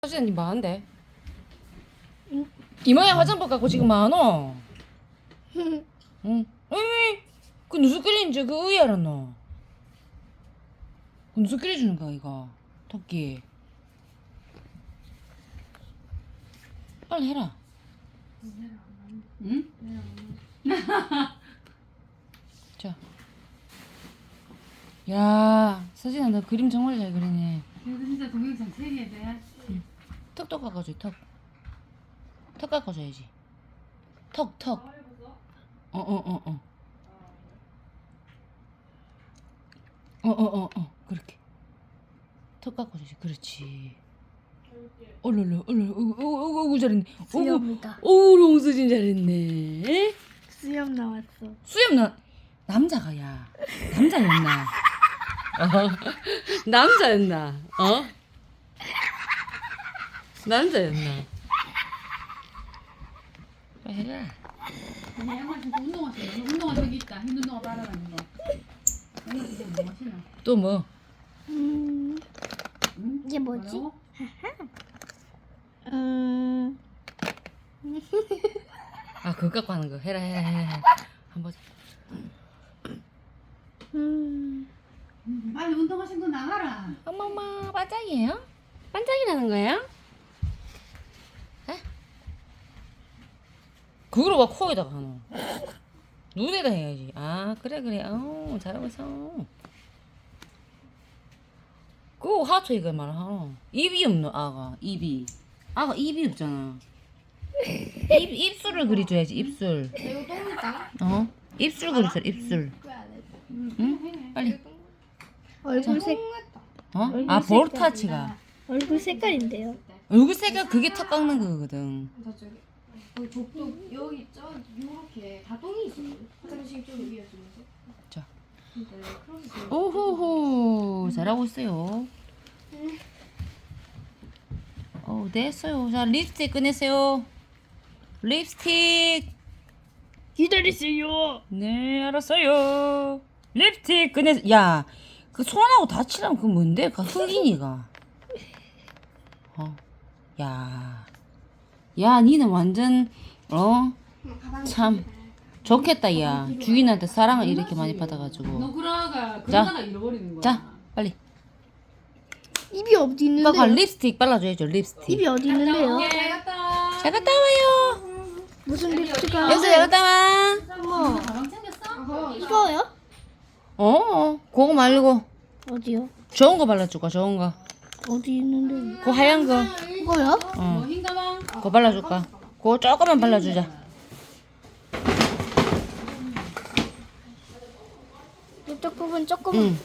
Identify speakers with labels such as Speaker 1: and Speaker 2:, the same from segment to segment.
Speaker 1: 사진이 많은데. 이모야 화장법 갖고 지금 많어. 응. 왜? 그 누수 끓이는지 그 의이 알았노? 그 누수 끓여주는 거야 이거 토끼. 빨리 해라. 응? 자. 야, 서진아 너 그림 정말 잘 그리네.
Speaker 2: 그래도 진짜 동영상 촬영해야 돼.
Speaker 1: 턱도 깎아줘. 턱 깎아줘야지. 턱. 그렇게 턱 깎아줘야지. 그렇지. 얼른 잘했네.
Speaker 3: 수염이다.
Speaker 1: 롱수진 잘했네.
Speaker 3: 수염 나왔어.
Speaker 1: 수염 남자가 야 남자였나? 남자였나? 남자였나? 해라.
Speaker 2: 아니, 양말 신고 운동화 신어. 운동화 저기 있다. 흰 운동화 빨아가는 거. 양말 진짜 뭐 신어?
Speaker 1: 또 뭐?
Speaker 3: 이게 뭐지?
Speaker 2: 뭐라고?
Speaker 1: 아 그거 갖고 하는 거 해라. 한번.
Speaker 2: 빨리 운동화 신고 나가라.
Speaker 1: 엄마 반짝이에요? 반짝이라는 거예요? 에? 그거로 막 코에다가 하노. 눈에다 해야지. 아 그래. 잘하고 있어. 그거 하초 이거 말하노. 입이 없노 아가 입이. 아가 입이 없잖아. 입술을 그려줘야지 입술.
Speaker 3: 이거 똥이다.
Speaker 1: 입술 그려줘 입술. 응? 빨리.
Speaker 3: 얼굴 색
Speaker 1: 아 볼타치가.
Speaker 3: 얼굴 색깔인데요.
Speaker 1: 얼굴 색깔 그게 턱 깎는 거거든.
Speaker 4: 저쪽에 복도 여기 요렇게 다 똥이 있어요. 화장실 쪽 위에서면서.
Speaker 1: 자.
Speaker 4: 네, 그러면서
Speaker 1: 오호호 잘하고 있어요. 됐어요. 자 립스틱 꺼내세요. 립스틱.
Speaker 3: 기다리세요.
Speaker 1: 네 알았어요. 립스틱 꺼내. 야 그 손하고 다치라면 그 뭔데? 그 흑인이가. 야 니는 완전 참 좋겠다 야. 주인한테 사랑을 이렇게 많이 받아가지고.
Speaker 2: 너 그러다가 잃어버리는 거야.
Speaker 1: 자 빨리.
Speaker 3: 입이 어디
Speaker 1: 오빠가
Speaker 3: 있는데요?
Speaker 1: 립스틱 발라줘야죠. 립스틱.
Speaker 3: 입이 어디 있는데요?
Speaker 2: 잘 갔다.
Speaker 1: 잘 갔다 와요.
Speaker 3: 무슨 립스틱이야?
Speaker 1: 여기서 잘 갔다 와.
Speaker 3: 어머,
Speaker 2: 가방 챙겼어?
Speaker 3: 이거요?
Speaker 1: 그거 말고
Speaker 3: 어디요?
Speaker 1: 좋은 거 발라줄까? 좋은 거.
Speaker 3: 어디 있는데?
Speaker 1: 그 하얀 거.
Speaker 3: 이거요?
Speaker 2: 뭐 흰 가방?
Speaker 1: 그거 발라줄까? 그거 조금만 발라주자.
Speaker 3: 이쪽 부분 조금만.
Speaker 1: 응.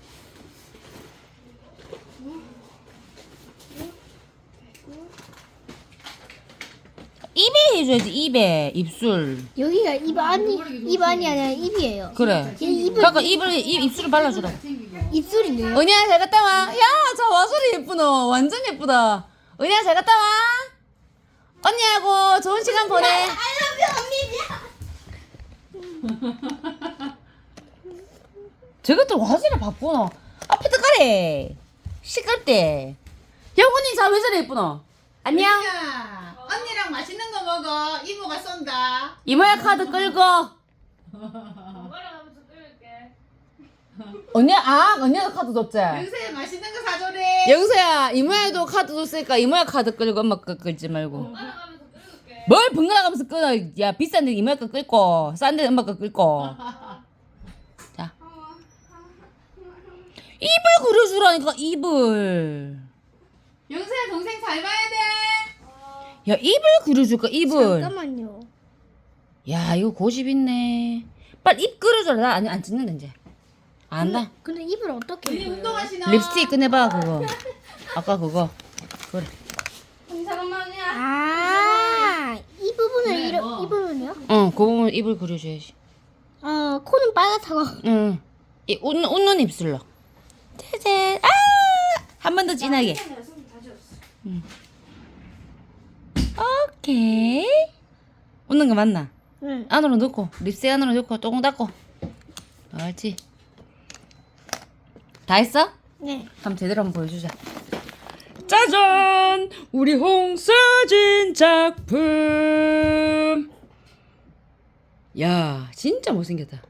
Speaker 1: 입에 해줘야지. 입에 입술.
Speaker 3: 여기가 입 안이 아니라 입이에요.
Speaker 1: 그래.
Speaker 3: 입을
Speaker 1: 그러니까 입술을 발라주라.
Speaker 3: 입술인데요?
Speaker 1: 은희야 잘 갔다 와. 야, 저 와소리 예쁘노. 완전 예쁘다. 은희야 잘 갔다 와. 언니하고 좋은 시간 보내. 저것도 와소리 바쁘노. 아파트 가래. 시끌 영훈이 자 왜 저래 예쁘노. 안녕.
Speaker 2: 야, 언니랑 맛있는 거 먹어. 이모가 쏜다.
Speaker 1: 이모야 카드 끌고. 언니가 카드 줬지?
Speaker 2: 요새 맛있는 거 사줘래.
Speaker 1: 영서야 이모야도 카드 줬으니까 이모야 카드 끌고 엄마 거 끌지 말고. 뭘 번갈아 가면서 끊어. 야 비싼데 이모야 거 끌고 싼데 엄마 거 끌고. 자 입을 그려주라니까 입을.
Speaker 2: 영수야 동생 잘 봐야 돼.
Speaker 1: 야 입을 그려줄까 입을.
Speaker 3: 잠깐만요.
Speaker 1: 야 이거 고집 있네. 빨리 입 그려줘라. 나 아니 안 찍는다 이제. 안 한다.
Speaker 3: 근데 입을 어떻게
Speaker 2: 언니
Speaker 3: 해요?
Speaker 2: 운동화 신어.
Speaker 1: 립스틱 꺼내봐 그거. 아까 그거. 그래.
Speaker 4: 잠깐만요.
Speaker 3: 이 부분을
Speaker 2: 네, 뭐.
Speaker 3: 이 부분이요?
Speaker 1: 그 부분 입을 그려줘야지.
Speaker 3: 코는 빨갛다고.
Speaker 1: 응. 이 웃는 입술로. 짜잔. 한 번 더 진하게. 오케이. 웃는 거 맞나?
Speaker 3: 응.
Speaker 1: 안으로 넣고 립스틱 안으로 넣고 똥 닦고. 옳지. 다 했어?
Speaker 3: 네.
Speaker 1: 그럼 제대로 한번 보여주자. 짠! 짜잔! 우리 홍서진 작품. 야, 진짜 못생겼다.